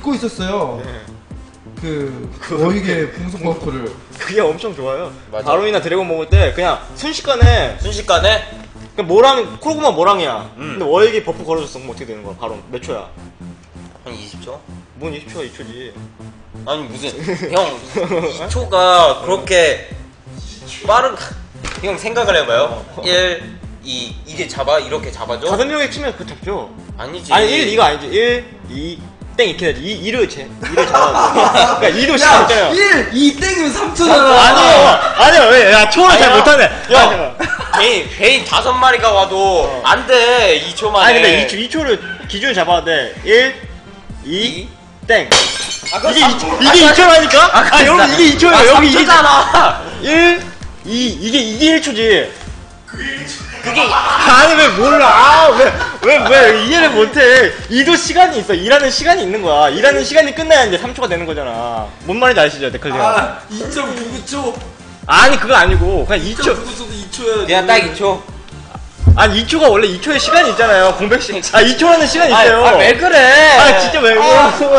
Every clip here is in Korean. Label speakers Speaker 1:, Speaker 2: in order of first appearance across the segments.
Speaker 1: 믿고 있었어요.
Speaker 2: 네.
Speaker 1: 그 워익의 풍속 버프를.
Speaker 2: 그게 엄청 좋아요.
Speaker 3: 맞아.
Speaker 2: 바론이나 드래곤 먹을 때 그냥 순식간에 그냥 모랑 크로그마 모랑이야. 근데 워익이 버프 걸어줬어. 그럼 어떻게 되는 거야? 바론 몇 초야?
Speaker 3: 한 20초?
Speaker 2: 뭔 20초가 2초지.
Speaker 3: 아니 무슨 형 2초가 그렇게 빠른 형 생각을 해봐요. 1, 2 이게 이렇게 잡아줘?
Speaker 2: 5명이 치면 그거 잡죠.
Speaker 3: 아니지.
Speaker 2: 아니 1 이거 아니지. 1, 2 땡 이렇게 해야지. 2를 잡아야 돼. 그러니까 2도 시간 있잖아요.
Speaker 1: 1, 2 땡이면 3초잖아.
Speaker 2: 아니요 왜? 야 초를 잘
Speaker 3: 아니요.
Speaker 2: 못하네.
Speaker 3: 야 베인 5마리가 와도 안 돼 2초 만에.
Speaker 2: 아니 근데 2초를 기준을 잡아야 돼. 1, 2 땡. 이게 2초라니까? 아 여러분 이게 2초예요. 여기 이게 1, 2 이게 1초지. 그게 아니 왜 몰라? 왜 이해를 못해? 이도 시간이 있어. 일하는 시간이 있는 거야. 일하는 시간이 끝나야 이제 3초가 되는 거잖아. 뭔 말인지 아시죠, 데칼리가?
Speaker 1: 아, 2.99초.
Speaker 2: 아니 그거 아니고 그냥 2초.
Speaker 1: 2.99초도 2초야.
Speaker 3: 그냥 딱 2초.
Speaker 2: 아니 2초가 원래 2초의 시간이 있잖아요. 공백 시간. 2초라는 시간이 있어요.
Speaker 3: 왜 그래?
Speaker 2: 아 진짜 왜 그래?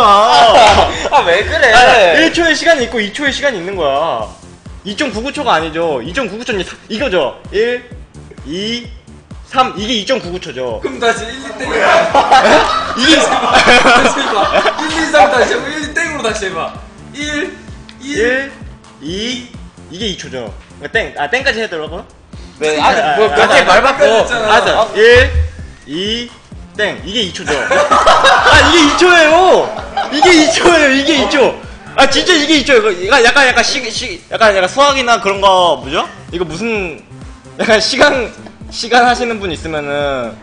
Speaker 3: 왜 그래?
Speaker 2: 1초의 시간이 있고 2초의 시간이 있는 거야. 2.99초가 아니죠. 2.99초는 이거죠. 1, 2, 3 이게 2.99초죠.
Speaker 1: 그럼 다시 1, 2 땡이야.
Speaker 2: 이게
Speaker 1: 다시 해봐. 1, 2, 3 다시 해봐. 1, 2 땡으로 다시 해봐. 1,
Speaker 2: 1, 2 이게 2초죠. 땡까지 해야 되라고요?
Speaker 3: 왜? 아니 몇개 말 바꿔.
Speaker 2: 알았어. 1, 2, 땡 이게 2초죠. 아 이게 2초예요. 이게 2초예요. 이게 2초. 아 진짜 이게 2초. 이거 약간 약간 수학이나 그런 거 뭐죠? 이거 무슨 약간 시간 하시는 분 있으면은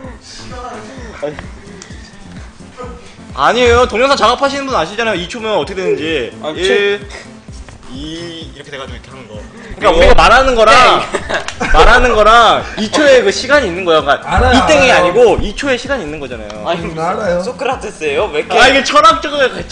Speaker 2: 아니에요. 동영상 작업하시는 분 아시잖아요. 2초면 어떻게 되는지. 1, 2 이렇게 돼가지고 이렇게 하는 거. 그러니까 우리가 말하는 거랑 2초의 그 시간이 있는 거야. 그러니까
Speaker 1: 알아요,
Speaker 2: 이 땡이
Speaker 1: 알아요.
Speaker 2: 아니고 2초의 시간이 있는 거잖아요.
Speaker 3: 아니
Speaker 1: 알아요.
Speaker 3: 소크라테스예요? 왜 이렇게?
Speaker 2: 아 이게 철학을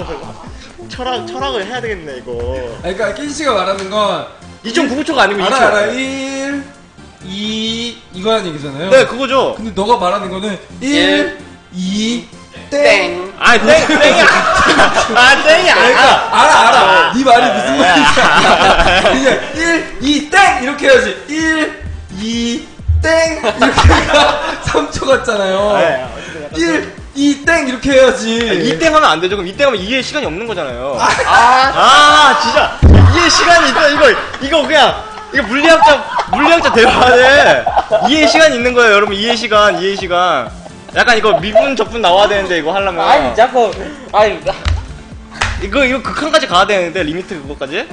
Speaker 2: 해야 되겠네 이거.
Speaker 1: 아니, 그러니까 낀씨가 말하는 건
Speaker 2: 2.99초가 아니고 2초.
Speaker 1: 알아. 1, 2 이거라는 얘기잖아요.
Speaker 2: 네 그거죠.
Speaker 1: 근데 너가 말하는 거는 1, 2 땡.
Speaker 2: 아 땡이야. 아 땡이야.
Speaker 1: 그러니까 알아. 네 말이 무슨 말인지 알아. 그냥 1, 2 땡 이렇게 해야지. 1, 2 땡 이렇게 해가 3초 같잖아요. 1, 2 땡 이렇게 해야지.
Speaker 2: 이땡 하면 안 되죠. 그럼 이땡 하면 이해의 시간이 없는 거잖아요. 진짜 이해의 시간이 있다. 이거 그냥 이거 물리학자 대화에 이해의 시간이 있는 거예요, 여러분. 이해 시간. 약간 이거 미분 적분 나와야 되는데 이거 하려면.
Speaker 3: 아니 자꾸 아니
Speaker 2: 이거 극한까지 가야 되는데 리미트 그거까지?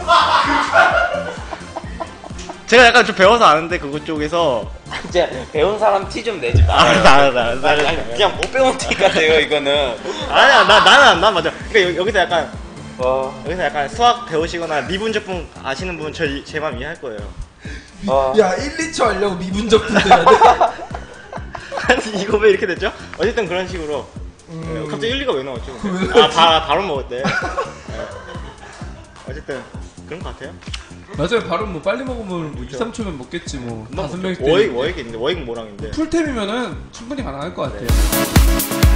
Speaker 2: 제가 약간 좀 배워서 아는데 그거 쪽에서.
Speaker 3: 진짜 배운 사람 티 좀 내지 마.
Speaker 2: 알았어.
Speaker 3: 아니 그냥 못 배운 티 같아요 이거는.
Speaker 2: 아니야 난 맞아. 그러니까 여기서 약간
Speaker 3: 와.
Speaker 2: 여기서 약간 수학 배우시거나 미분 적분 아시는 분 제 맘 이해할 거예요.
Speaker 1: 야 1, 2초 하려고 미분적 분돼야 돼?
Speaker 2: 아니 이거 왜 이렇게 됐죠? 어쨌든 그런 식으로. 갑자기 1, 2가 왜 나왔죠? 바로 먹었대. 네. 어쨌든 그런 것 같아요.
Speaker 1: 맞아요. 바로 뭐 빨리 먹으면 뭐 2, 3초면 먹겠지 뭐. 5명일 때.
Speaker 2: 워익 있는데 워익 모랑인데.
Speaker 1: 풀템이면은 충분히 가능할 것 같아요.